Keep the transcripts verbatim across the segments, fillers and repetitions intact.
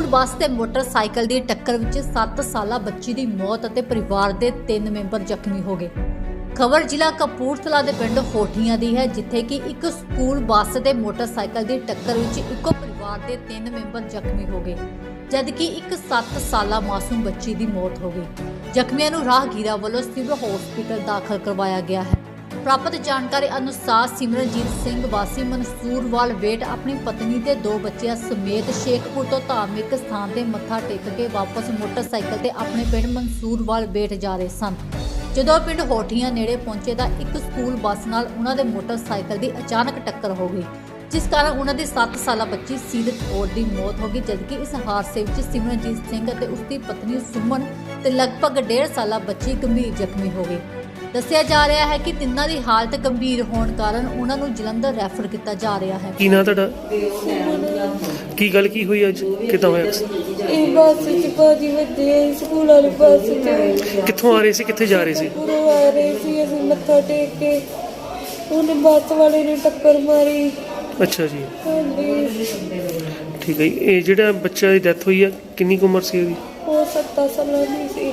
ਬੱਸ ਤੇ ਮੋਟਰਸਾਈਕਲ ਦੀ ਟੱਕਰ ਵਿੱਚ ਸੱਤ ਸਾਲਾ ਬੱਚੀ ਦੀ ਮੌਤ ਅਤੇ ਪਰਿਵਾਰ ਦੇ ਤਿੰਨ ਮੈਂਬਰ ਜ਼ਖਮੀ ਹੋ ਗਏ। ਖਬਰ ਜ਼ਿਲ੍ਹਾ ਕਪੂਰਥਲਾ ਦੇ ਪਿੰਡ ਹੋਠੀਆਂ ਦੀ ਹੈ, ਜਿੱਥੇ ਕਿ ਇੱਕ ਸਕੂਲ ਬੱਸ ਤੇ ਮੋਟਰਸਾਈਕਲ ਦੀ ਟੱਕਰ ਵਿੱਚ ਇੱਕੋ ਪਰਿਵਾਰ ਦੇ ਤਿੰਨ ਮੈਂਬਰ ਜ਼ਖਮੀ ਹੋ ਗਏ, ਜਦਕਿ ਇੱਕ ਸੱਤ ਸਾਲਾ ਮਾਸੂਮ ਬੱਚੀ ਦੀ ਮੌਤ ਹੋ ਗਈ। ਜ਼ਖਮੀਆਂ ਨੂੰ ਰਾਹਗੀਰਾਂ ਵੱਲੋਂ ਸਿਵਲ ਹਸਪਤਾਲ ਦਾਖਲ ਕਰਵਾਇਆ ਗਿਆ ਹੈ। ਪ੍ਰਾਪਤ ਜਾਣਕਾਰੀ ਅਨੁਸਾਰ ਸਿਮਰਨਜੀਤ ਸਿੰਘ ਵਾਸੀ ਮਨਸੂਰਵਾਲ ਵੇਟ ਆਪਣੀ ਪਤਨੀ ਤੇ ਦੋ ਬੱਚਿਆਂ ਸਮੇਤ ਸ਼ੇਖਪੁਰ ਤੋਂ ਧਾਰਮਿਕ ਸਥਾਨ ਤੇ ਮੱਥਾ ਟੇਕ ਕੇ ਵਾਪਸ ਮੋਟਰਸਾਈਕਲ ਤੇ ਆਪਣੇ ਪਿੰਡ ਮਨਸੂਰਵਾਲ ਵੇਟ ਜਾ ਰਹੇ ਸਨ। ਜਦੋਂ ਪਿੰਡ ਹੋਠੀਆਂ ਨੇੜੇ ਪਹੁੰਚੇ ਤਾਂ ਇੱਕ ਸਕੂਲ ਬੱਸ ਨਾਲ ਉਹਨਾਂ ਦੇ ਮੋਟਰਸਾਈਕਲ ਦੀ ਅਚਾਨਕ ਟੱਕਰ ਹੋ ਗਈ, ਜਿਸ ਕਾਰਨ ਉਹਨਾਂ ਦੀ ਸੱਤ ਸਾਲਾ ਬੱਚੀ ਸੀਰਤ ਕੌਰ ਦੀ ਮੌਤ ਹੋ ਗਈ, ਜਦਕਿ ਇਸ ਹਾਦਸੇ ਵਿੱਚ ਸਿਮਰਨਜੀਤ ਸਿੰਘ ਅਤੇ ਉਸ ਦੀ ਪਤਨੀ ਸੁਮਨ ਤੇ ਲਗਭਗ ਡੇਢ ਸਾਲਾ ਬੱਚੀ ਗੰਭੀਰ ਜ਼ਖਮੀ ਹੋ ਗਈ। ਦੱਸਿਆ ਜਾ ਰਿਹਾ ਹੈ ਕਿ ਤਿੰਨਾਂ ਦੀ ਹਾਲਤ ਗੰਭੀਰ ਹੋਣ ਕਾਰਨ ਉਹਨਾਂ ਨੂੰ ਜਲੰਧਰ ਰੈਫਰ ਕੀਤਾ ਜਾ ਰਿਹਾ ਹੈ। ਕੀ ਨਾਂ ਤੁਹਾਡਾ? ਕੀ ਗੱਲ ਕੀ ਹੋਈ ਅੱਜ? ਕਿੱਦਾਂ ਹੋਇਆ? ਇਹ ਬੱਸ ਚ ਭਾਜੀ ਵੱਜੇ ਸਕੂਲ ਵਾਲੀ ਬੱਸ ਚ। ਕਿੱਥੋਂ ਆ ਰਹੇ ਸੀ, ਕਿੱਥੇ ਜਾ ਰਹੇ ਸੀ? ਪੂਰੋਂ ਆ ਰਹੇ ਸੀ ਅਸੀਂ ਮੱਥਾ ਟੇਕ ਕੇ, ਉਹਨੇ ਬੱਸ ਵਾਲੇ ਨੇ ਟੱਕਰ ਮਾਰੀ। ਅੱਛਾ ਜੀ, ਹਾਂਜੀ। ਠੀਕ ਹੈ ਜੀ। ਇਹ ਜਿਹੜਾ ਬੱਚਾ ਦੀ ਡੈਥ ਹੋਈ ਹੈ, ਕਿੰਨੀ ਕੁ ਉਮਰ ਸੀ ਉਹਦੀ? ਉਹ ਸੱਤਾਂ ਸਾਲਾਂ ਦੀ ਸੀ।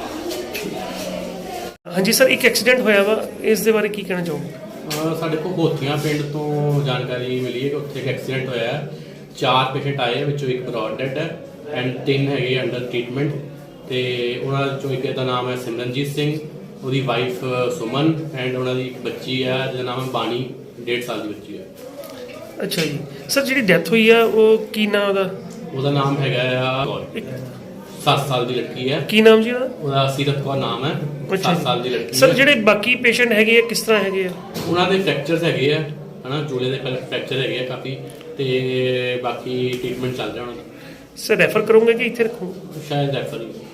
ਹਾਂਜੀ ਸਰ, ਇੱਕ ਐਕਸੀਡੈਂਟ ਹੋਇਆ ਵਾ, ਇਸ ਦੇ ਬਾਰੇ ਕੀ ਕਹਿਣਾ ਚਾਹੋਗੇ? ਅਹ ਸਾਡੇ ਕੋਲ ਹੋਥੀਆਂ ਪਿੰਡ ਤੋਂ ਜਾਣਕਾਰੀ ਮਿਲੀ ਹੈ ਕਿ ਉੱਥੇ ਇੱਕ ਐਕਸੀਡੈਂਟ ਹੋਇਆ ਹੈ। ਚਾਰ ਪੇਸ਼ੈਂਟ ਆਏ ਹੈ, ਵਿੱਚੋਂ ਇੱਕ ਬ੍ਰੌਡ ਡੈਡ ਹੈ ਐਂਡ ਤਿੰਨ ਹੈਗੇ ਅੰਡਰ ਟ੍ਰੀਟਮੈਂਟ। ਤੇ ਉਹਨਾਂ ਚੋਂ ਇੱਕ ਦਾ ਨਾਮ ਹੈ ਸਿਮਰਨਜੀਤ ਸਿੰਘ, ਉਹਦੀ ਵਾਈਫ ਸੁਮਨ ਐਂਡ ਉਹਨਾਂ ਦੀ ਇੱਕ ਬੱਚੀ ਹੈ ਜਿਹਦਾ ਨਾਮ ਹੈ ਬਾਣੀ, ਡੇਢ ਸਾਲ ਦੀ ਬੱਚੀ ਹੈ। ਅੱਛਾ ਜੀ ਸਰ, ਜਿਹੜੀ ਡੈਥ ਹੋਈ ਆ ਉਹ ਕੀ ਨਾਮ ਉਹਦਾ? ਉਹਦਾ ਨਾਮ ਹੈਗਾ ਆ ਸੱਤ ਸਾਲ ਦੀ ਲੜਕੀ ਹੈ। ਕੀ ਨਾਮ ਜੀ ਉਹਦਾ? ਉਹਦਾ ਸੀਰਤ ਕੌਰ ਨਾਮ ਹੈ। ਸੱਤ ਸਾਲ ਦੀ ਲੜਕੀ ਸਰ, ਹੈ। ਜਿਹੜੇ ਬਾਕੀ ਪੇਸ਼ੈਂਟ ਹੈਗੇ ਆ ਕਿਸ ਤਰ੍ਹਾਂ ਹੈਗੇ ਆ? ਉਹਨਾਂ ਦੇ ਫ੍ਰੈਕਚਰਸ ਹੈਗੇ ਆ, ਹਨਾ, ਜੂਲੇ ਦੇ ਫ੍ਰੈਕਚਰ ਹੈਗੇ ਆ ਕਾਫੀ, ਤੇ ਬਾਕੀ ਟ੍ਰੀਟਮੈਂਟ ਚੱਲ ਰਿਹਾ ਉਹਨਾਂ ਦਾ। ਸਰ ਰੈਫਰ ਕਰੋਗੇ ਕਿ ਇੱਥੇ ਰੱਖੋ? ਸ਼ਾਇਦ ਰੈਫਰ ਹੀ